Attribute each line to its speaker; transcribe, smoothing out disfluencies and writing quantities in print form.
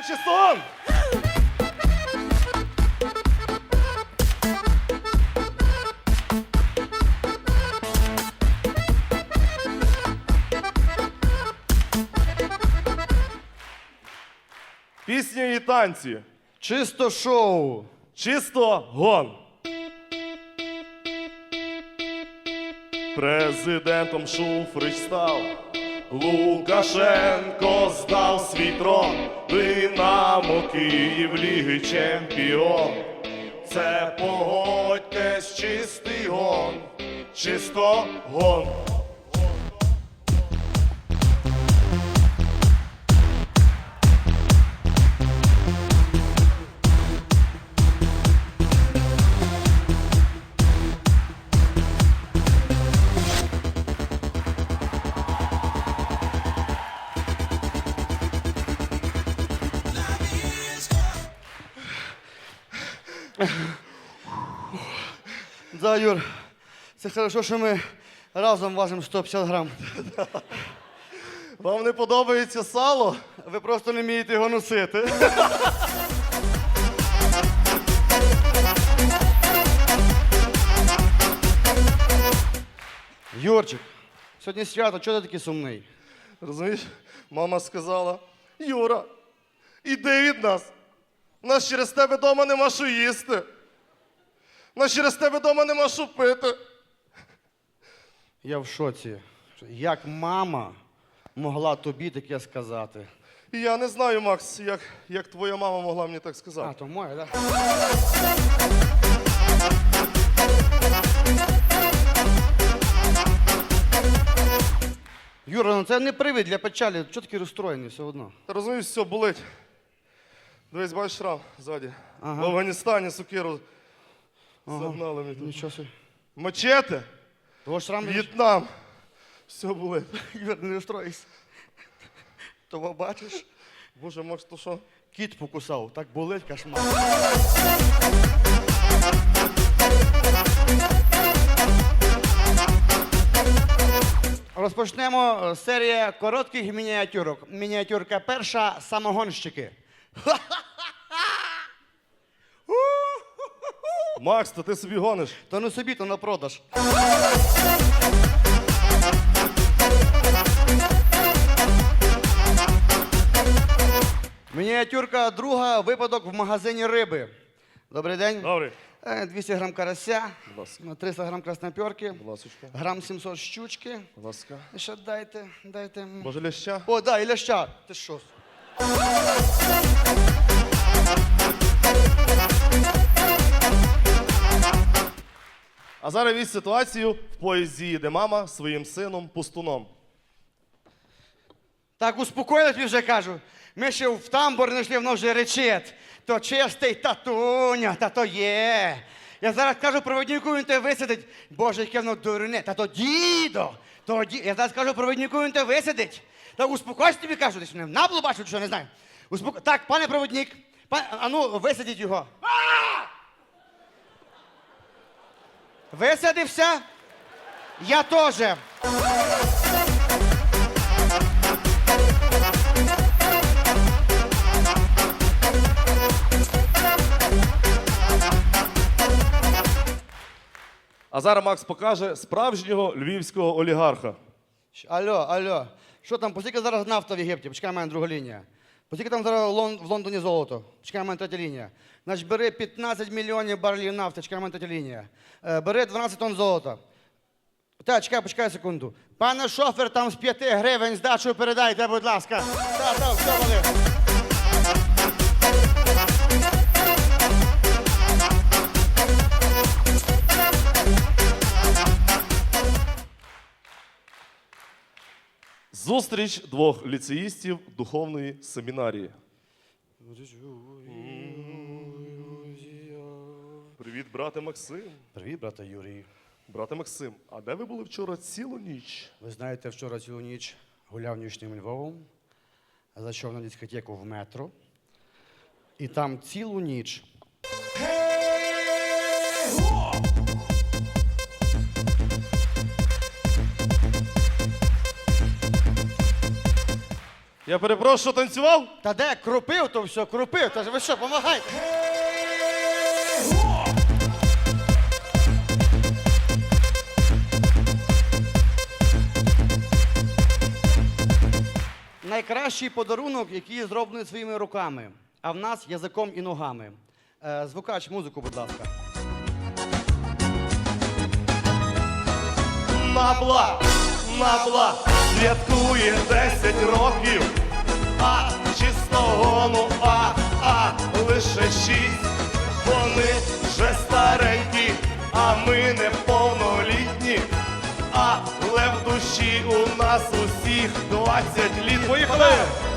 Speaker 1: Менше сон! Пісня і танці.
Speaker 2: Чисто шоу.
Speaker 1: Чисто гон. Президентом Шуфрич став. Лукашенко здав свій трон. Динамо Київ Ліги Чемпіон. Це, погодьтесь, чистий гон. Чисто гон.
Speaker 2: Да, Юр, це хорошо, що ми разом важимо 150 грам.
Speaker 1: Вам не подобається сало?
Speaker 2: Ви просто не вмієте його носити. Юрчик, сьогодні свято, чого ти такий сумний?
Speaker 1: Розумієш, мама сказала: Юра, іди від нас. У нас через тебе вдома нема що їсти. У нас через тебе вдома нема що пити.
Speaker 2: Я в шоці. Як мама могла тобі таке сказати?
Speaker 1: І я не знаю, Макс, як твоя мама могла мені так
Speaker 2: А,
Speaker 1: сказати.
Speaker 2: то моя, так? Юра, ну це не привід для печалі. Чого такий розстроєний все одно?
Speaker 1: Ти розумієш, все болить. Дивись, бачиш шрам ззаді.
Speaker 2: Ага.
Speaker 1: В Афганістані сокиру загнали мені тут.
Speaker 2: Нічого собі.
Speaker 1: Мачете,
Speaker 2: Того шрам не
Speaker 1: В'єтнам. Все болить.
Speaker 2: Юр, не розстроїйся. Того бачиш?
Speaker 1: Боже, Макс, то що?
Speaker 2: Кіт покусав, так болить кошмар. Розпочнемо серія коротких мініатюрок. Мініатюрка перша – самогонщики.
Speaker 1: Макс, то ти собі гониш.
Speaker 2: То не собі, то на продаж. Мініатюрка друга – випадок в магазині риби. Добрий день.
Speaker 1: Добре.
Speaker 2: 200 грам карася,
Speaker 1: Будь ласка.
Speaker 2: 300 грам красноперки,
Speaker 1: Будь ласочка.
Speaker 2: грам 700 щучки.
Speaker 1: Будь ласка.
Speaker 2: І ще дайте.
Speaker 1: Може, ляща?
Speaker 2: О, да, і ляща. Ти що?
Speaker 1: А зараз візь ситуацію в поїзді їде мама зі своїм сином Пустуном.
Speaker 2: Так, успокоїлась, вже кажу. Ми ще в тамбур не йшли, воно вже речить. То чистий татуня, та то є. Я зараз кажу провіднику, він те висадить. Боже, яке воно дурне. Та то дідо. Я зараз кажу провіднику, він те висадить. Та успокойся, тобі кажу, ти що не наблу бачу, що не знаю. Так, пане провідник, ану, висадіть його. Висадився? Я теж.
Speaker 1: А зараз Макс покаже справжнього львівського олігарха.
Speaker 2: Алло. Що там, поскільки зараз нафта в Єгипті? Почекай, в мене друга лінія. Поскільки там зараз в Лондоні золото? Чекай, в мене третя лінія. Значить, бери 15 мільйонів барелів нафти, чекай, в мене третя лінія. Бери 12 тонн золота. Так, почекай секунду. Пане шофер, там з 5 гривень здачу передайте, будь ласка. Так, все, вали.
Speaker 1: Зустріч двох ліцеїстів духовної семінарії. Привіт, брате Максим.
Speaker 2: Привіт, брате Юрій.
Speaker 1: Брате Максим, а де ви були вчора цілу ніч?
Speaker 2: Ви знаєте, вчора цілу ніч гуляв нічним Львовом, зайшов на дискотеку в метро, і там цілу ніч.
Speaker 1: Я перепрошую, танцював?
Speaker 2: Та де крупив, то все, крупив. Та ж ви що, помагайте. Найкращий подарунок, який зроблений своїми руками, а в нас язиком і ногами. Звукач, музику, будь ласка.
Speaker 1: Набла, святкує 10 років, а чистого, ну лише 6. Вони вже старенькі, а ми неповнолітні, але в душі у нас усіх 20 літ. Поїхали!